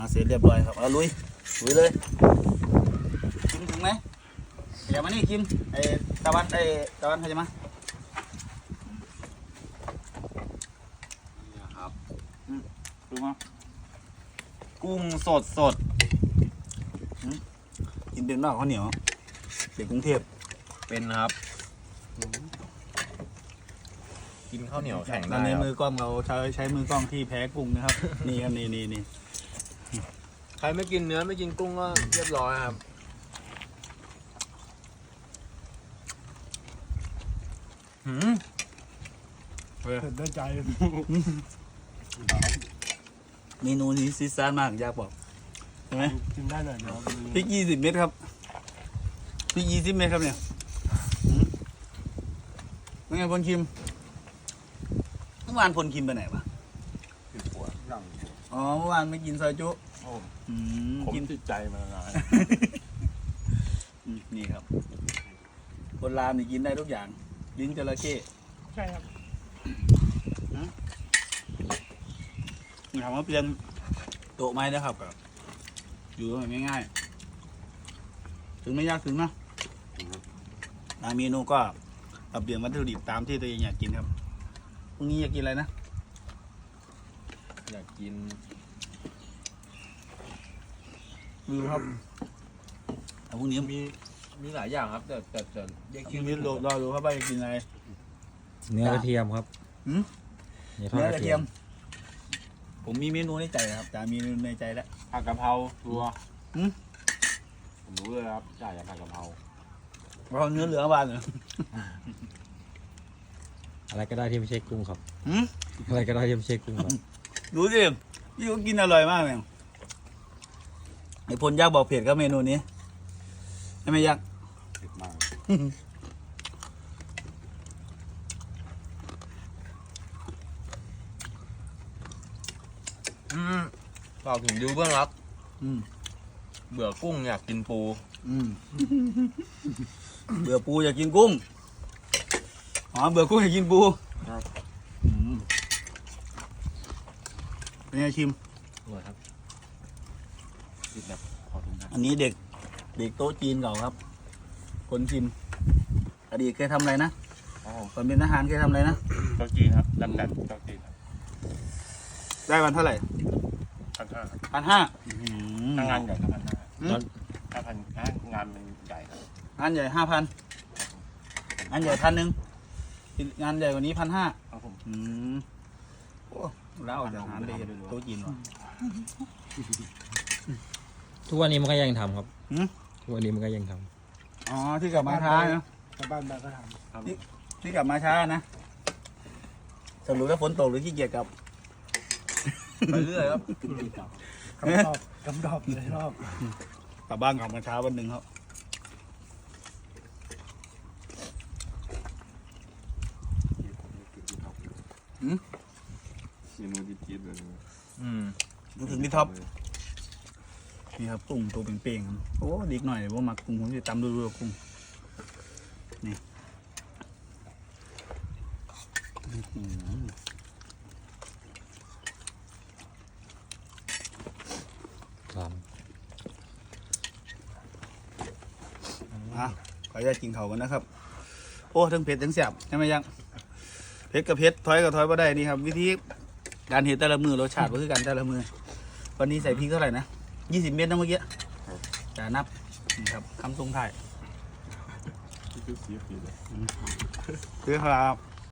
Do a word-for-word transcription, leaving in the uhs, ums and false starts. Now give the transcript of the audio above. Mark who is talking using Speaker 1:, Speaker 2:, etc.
Speaker 1: เสร็จเรียบร้อยครับเอาลุยลุยเลยกินถึงไหมอย่ามานี่กินไอ้ตะวันไอ้ตะวันเขาจะมานี่ครับดูมากุ้งสดสดกินเป็นมากข้าวเหนียวเด็กกรุงเทพ
Speaker 2: เป็นครับกินข้าวเหนียวแข็งได้
Speaker 1: ในมือกล้องเราใช้ใช้มือกล้องที่แพ้กุ้งนะครับ นี่ครับนี่นี่นี่
Speaker 2: ใครไม่กินเนื้อไม่กินกุ้งก็เรียบร้อยครับหืม
Speaker 3: เผ็ดได้ใจ
Speaker 1: เมนูนี้ซีซ่ามากอยากบอกใช่ไหม
Speaker 3: กินได้หน่อยเนาะ
Speaker 1: พริกยี่สิบเม็ดครับพริกยี่สิบเม็ดครับเนี่ยเป็นไงพลคิมเมื่อวานพลคิมไปไหนวะอ๋อเมื่อวานไม่กินซอยจุ
Speaker 3: ผมติดใจมานาน
Speaker 1: นี่ครับคนรามนี่กินได้ทุกอย่างลิ้นจระเข้
Speaker 3: ใช่ครับ
Speaker 1: ถามว่าเปลี่ยนโต๊ะไม้นะครับอยู่ง่ายๆถึงไม่ยากถึงนะเมนูก็ปรับเปลี่ยนวัตถุดิบตามที่ตัวเองอยากกินครับพรุ่งนี้อยากกินอะไรนะ
Speaker 2: อยากกิน
Speaker 1: ดูครับพรุ่งนี้
Speaker 2: มีมีหลายอย่างครับแต่แต่แต่
Speaker 1: เด็กกินนิดรอรอดูครับว่าจะกินอะไร
Speaker 4: เนื้อกระเทียมครับ
Speaker 1: เนื้อกระเทียมผมมีเมนูในใจครับแต่มีเมนูในใจแล้ว
Speaker 2: ผัดกะเพราตัวผมรู้เลยครับจ่ายจากผัดกะเพรา
Speaker 1: เราเนื้อเหลืองบานเหรอ
Speaker 4: อะไรก็ได้ที่ไม่ใช่กุ้งครับอะไรก็ได้ที่ไม่ใช่กุ้งครับ
Speaker 1: ดูสิพี่ก็กินอร่อยมากเลยไอ้พลยักษ์บอกเผ็ดก็เมนูนี้ใช่ไหมยักษ์
Speaker 2: เผ็ดมากอืมฝากถึงยูเพื่อนรักเบื่อกุ้งอยากกินปู
Speaker 1: เบื่อปูอยากกินกุ้งอ๋อเบื่อกุ้งอยากกินปูเป็นไงชิม
Speaker 2: อร่อยครับติดแบบขอทุนครับ
Speaker 1: อันนี้เด็กเด็กโต๊ะจีนเก่าครับคนชิมอดีตเคยทำอะไรนะตอนเป็นทหารเคยทำอะไรนะ
Speaker 3: โต๊ะจีนครับดำดันโต๊ะจีนครับ
Speaker 1: ได้วันเท่าไหร่
Speaker 3: พันห้า
Speaker 1: พันห้า
Speaker 3: ถ้างานใหญ่ก็พันห้าถ้าพันงานมันใหญ่ครับ
Speaker 1: งานใหญ่ห้าพันงานใหญ่พันหนึ่งงานใหญ่กว่านี้พันห้า
Speaker 3: ครับผม
Speaker 1: อืมโอ้แล้วออกจากงานไปโต๊ะจีนวะ
Speaker 4: ทุกวันนี้มันก็ยังทำครับทุกวันนี้มันก็ยังท
Speaker 1: ำอ๋อที่กลับมาช้านะ
Speaker 3: ชาวบ้านบ้านก็ท
Speaker 1: ำที่ที่กลับมาช้านะสรุปแล้วฝนตกหรือขี้เกียจกลับ
Speaker 2: ไปเรื่อยครับ
Speaker 3: กำดอบกำดอบเลยรอบ
Speaker 1: กลับบ้านกลับมาช้าวันหนึ่งครับ
Speaker 3: เมนูจี๊ดๆเลย
Speaker 1: อืมถึงที่ท็อปนี่ครับกุ้งตัวเป่งๆโอ้ดีหน่อยว่ามากุ้งผมจะตำดูๆกุ้งนี่
Speaker 4: ครับ
Speaker 1: อ่ะขออนุญาตกินเขากันนะครับโอ้ทั้งเผ็ดทั้งแซ่บใช่ไหมยังเผ็ดกับเผ็ดถอยกับถอยมาได้นี่ครับวิธีการเห็นแต่ละมือรสชาติก็คือกันแต่ละมือวันนี้ใส่พริกเท่าไหร่นะยี่สิบเม็ดนะเมื่อกี้จะนับนี่ครับคำทรงไทย
Speaker 3: คือสีผิวเลย
Speaker 1: คือครับ